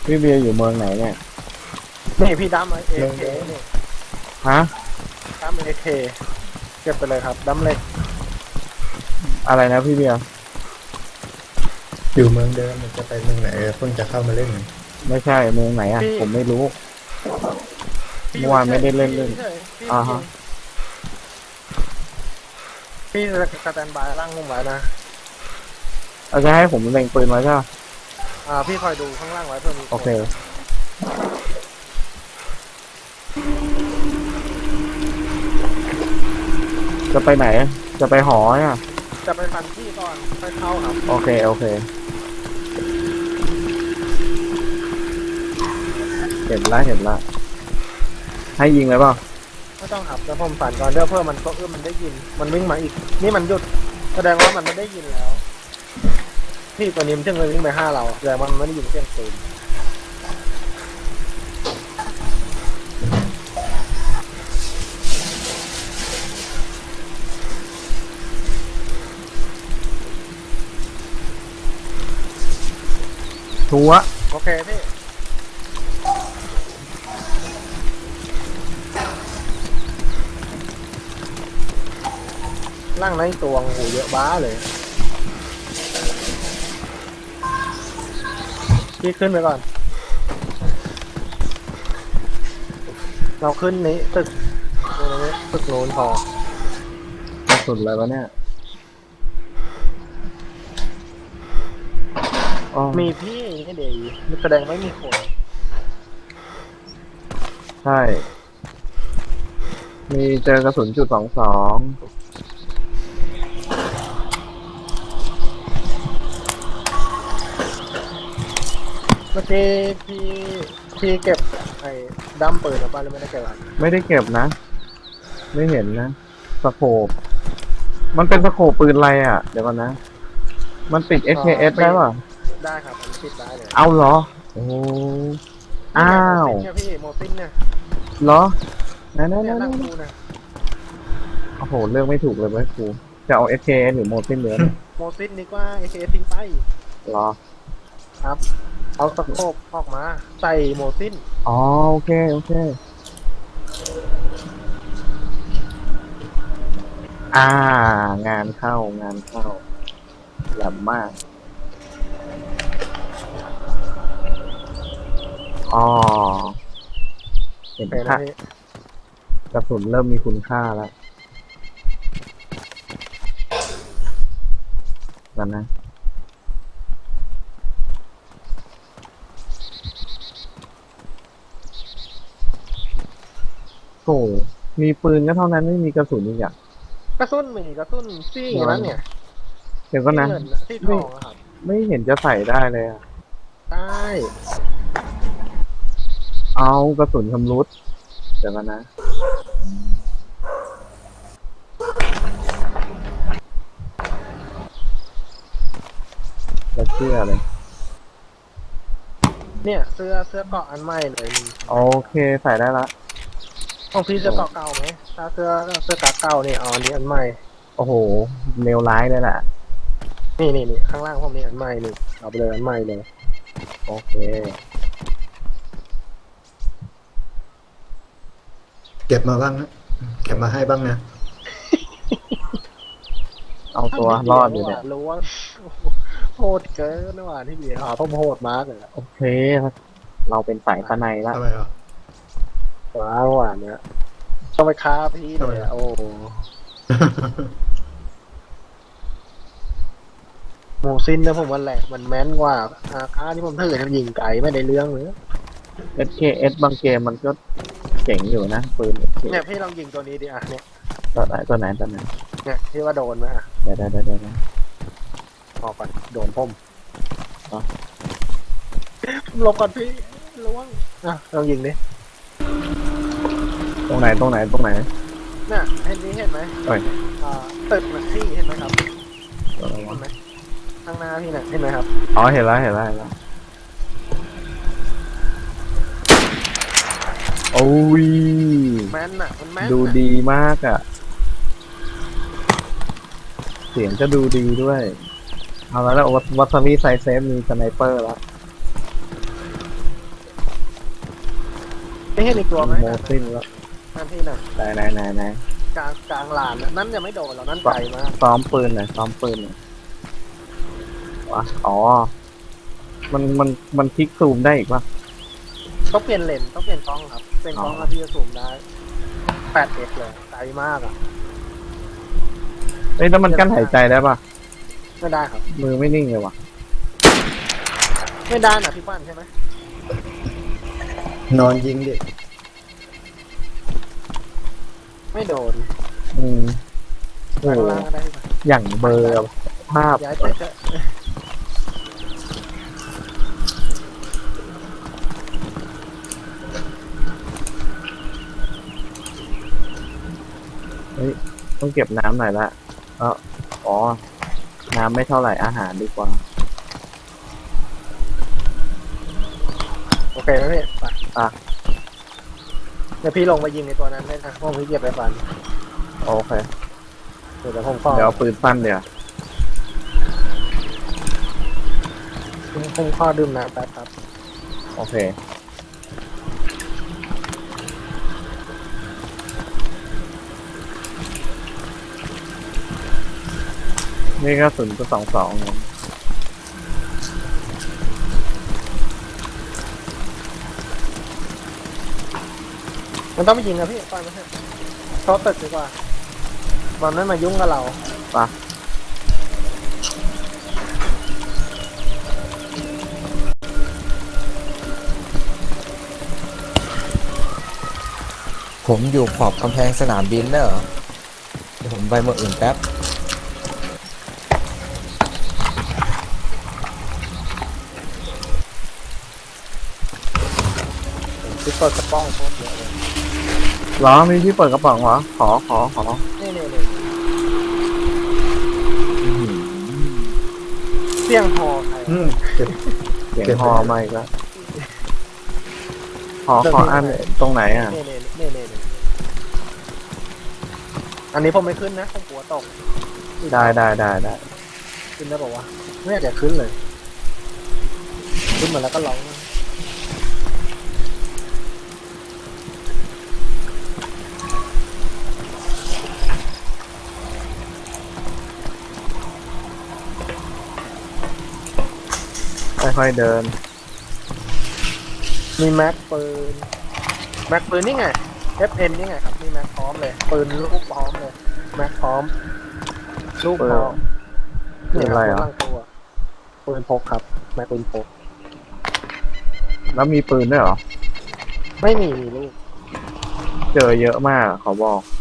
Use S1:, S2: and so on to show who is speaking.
S1: พี่เบียร์อยู่เมืองไหนเนี่ย
S2: นี่พี่ดัมเอเคนี่
S1: ฮะ
S2: ดัมเอเคเก็บไปเลยครับดัมเล็ก
S1: อะไรนะพี่เบียร์
S3: อยู่เมืองเดิมมันจะไปเมืองไหนเพิ่งจะเข้ามาเล่น
S1: ไม่ใช่เมืองไหนอ่ะผมไม่รู้เมื่อวานไม่ได้เล่นอ่าฮะ
S2: พี่สแตนบายร่างงงไว้นะ
S1: เราจะให้ผมเล็งปืนไว้ใช่ไหม
S2: พี่คอยดูข้างล่างไว้เพื่อมี
S1: โอเคจะไปไหนจะไปหอเนี่ย
S2: จะไปฟันที่ก่อนไปเข้าครับ
S1: โอเคโอเคเห็นละให้ยิงเลยเปล่า
S2: ไม่ต้องขับแล้วผมฝันก่อนเดี๋ยวเพื่อมันก็มันได้ยินมันวิ่งมาอีกนี่มันหยุดแสดงว่ามันไม่ได้ยินแล้วพี่ตัวนี้มันเพิ่งเลยวิ่งไป5เราแสดงว่ามันไม่ได้ยินเสียงปืน
S1: ชัว
S2: โอเคพี่ร่างในตัวโหเยอะบ้าเลยพี่ขึ้นไปก่อนเราขึ้นนี้ตึกโน้นพอก
S1: ระสุดเลยวะเนี่ย
S2: มีพี่นี่เดี๋ยวแสดงไม่มีคน
S1: ใช่มีเจอกระสุน.22
S2: เมื่อกี้พี่เก็บไอ้ดั้มปืนหรือเปล่าหรือไม่ได้เก็บ
S1: ไม่ได้เก็บนะไม่เห็นนะสโคปมันเป็นสโคปปืนอะไรอ่ะเดี๋ยวก่อนนะมันติด SKS ได้ป่ะ
S2: ได้ครับมันติดได้เลย
S1: เอาเหรอโอ้อ้าว
S2: เนี่ยพี่โมซินเนี่ย
S1: เหรอนั่
S2: นั่ง
S1: น
S2: ดูนะ
S1: โอ้โหเลือกไม่ถูกเลยเว้ยครูจะเอา SKS หรือโมซินเหลือ
S2: โมซินดีกว่า AKS ทิ้งไป
S1: เหรอ
S2: ครับเอาสโคปออกมาใส่โมซิน
S1: อ๋อโอเคงานเข้าแหลมมากอ๋อเห็นค่ากระสุนเริ่มมีคุณค่าแล้วกันนะโอ้มีปืนก็เท่านั้นไม่มีกระสุนอีกอย่าง
S2: กระสุนมีกระสุนซี่นั้นเนี่ย
S1: เดี๋ยวก็นะ
S2: ที่ทองครับ
S1: ไม่เห็นจะใส่ได้เลยอ่ะ
S2: ได้
S1: เอากระสุนชำรุดเดี๋ยวกันนะแล้วเสื้อเลย
S2: เนี่ยเสื้อเกาะอันใหม่เลย
S1: โอเคใส่ได้ละ
S2: ของพี่เสื้อเกาะเก่าไหมถ้าเสื้อกาเก่านี่อันนี้อันใหม่
S1: โอ้โหเลวร้ายเลยแหละ
S2: นี่ข้างล่างผมนี่อันใหม่นี่เอาไปเลยอันใหม่เลย
S1: โอเค
S3: เก็บมาบ้างนะเก็บมาให้บ้างนะ
S1: เอาตัวรอดอยู่เนี่ย
S2: รู้ว่าโหดเกินนะว่าที่เบียร์ผมโหดมากเลย
S1: โอเคเราเป็นสายสนัยละ
S3: ทำไมอ่ะ
S2: ว้าวหวานเนี่ยต้องไปค้าพี่เลยโอ้โมซินนะผมว่าแหละมันแม้นกว่าค้าที่ผมถือมันยิงไก่ไม่ได้เรื่องเลย
S1: SKS บางเกมมันก็เจ๋งอยู่นะปืน
S2: เนี่ยพี่ลองยิงตัวนี้ดิเนี่ย
S1: ตัวไหน
S2: เนี่ยที่ว่าโดนไหม
S1: เดี๋ยว
S2: ออกก่อนโดนพ่มหลบก่อนพี่ระวังลองยิงดิ
S1: ตรงไหน
S2: น่ะเห็นไหมตึกมันที่เห็นไหมครับเห็นไหมข้างหน้าพี่น่ะเห็นไหมครับ
S1: อ๋อเห็นแล้วโอ้ย
S2: แม่นน่ะมันแม่น
S1: ดูดีมากอ่ะเสียงก็ดูดีด้วยเอาแล้ววัตซามิไซเซฟมีสไนเปอร์แล้ว
S2: ไม่เห็นอีกตัวไหม
S1: โมซินแล้ว
S2: นั่นที่น่ะ
S1: ไหน
S2: กลางลานน่ะนั่นยังไม่โดนหรอกนั่นไกลมาก
S1: ซ้อมปืนหน่อยซ้อมปืนหน่อยวะอ๋อ มันคลิกซูมได้อีกปะ
S2: ต้องเปลี่ยนเลนส์ต้องเปลี่ยนกล้องครับเป็นกล้องแล้วที่จะซูมได้ 8x เลยไกลมากอ่ะ
S1: เอ้ยแล้วมันกั้นหายใจได้ปะ
S2: ไม่ได้ครับ
S1: มือไม่นิ่งเลยวะ
S2: ไม่ได้นะพี่ปั้นใช่ไหม
S3: นอนยิงดิ
S2: ไม่โดน
S1: อืมโอ้
S2: ข้าง
S1: โห
S2: ล่างก็ได้พี่ปั้น
S1: อย่างเบลอร์ภาพ
S2: ย้ายไปเถอะ
S1: ต้องเก็บน้ำหน่อยละอ๋อ น้ำไม่เท่าไหร่อาหารดีกว่า
S2: โอเคไหมพี่ไป
S1: อ่ะ
S2: เดี๋ยวพี่ลงไปยิงในตัวนั้นได้นะเพราะผมพี่เก็บไปฟัน
S1: โอเค
S2: เดี๋ยวผมก็
S1: เดี๋ยวเอาปืนสั้นเดี๋ยว
S2: ผมข้อดื่มน้ำแป๊บครับ
S1: โอเค นี่ก็0.22เนี่ย
S2: มันต้องไปยิงนะพี่ปั้นไม่ใช่เพราะตึกดีกว่ามันไม่มายุ่งกับเรา
S1: ปะ
S4: ผมอยู่ขอบกำแพงสนามบินแล้วเหรอเดี๋ยวผมไปเมืองอื่นแป๊บ
S2: ที่เปิดกระป้องโคตรเยอะเลย
S1: เหรอมีที่เปิดกระป๋องเหรอ ขอ
S2: นี่เสียงพอใคร
S3: เก็บ
S1: เสียง
S3: เก็บ
S1: ฮอมาอีกแล้วขออันตรงไหนอ่ะ
S2: นี่อันนี้ผมไม่ขึ้นนะผมกลัวตก
S1: ได้
S2: ขึ้นได้บอกว่าไม่อยากจะขึ้นเลย ขึ้นมาแล้วก็ร้อง
S1: ค่อยๆเดิน
S2: มีแม็กปืนนี่ไง FN นี่ไงครับมีแม็กพร้อมเลยปืนลูกพร้อมเลยแม็กพร้อมลูกพร้อม
S1: ปืนอะไรอ่ะ
S2: ตั้งตัวปืนพกครับแม็กปืนพก
S1: แล้วมีปืนด้วยเหรอ
S2: ไม่มีลูก
S1: เจอเยอะมากขอบอก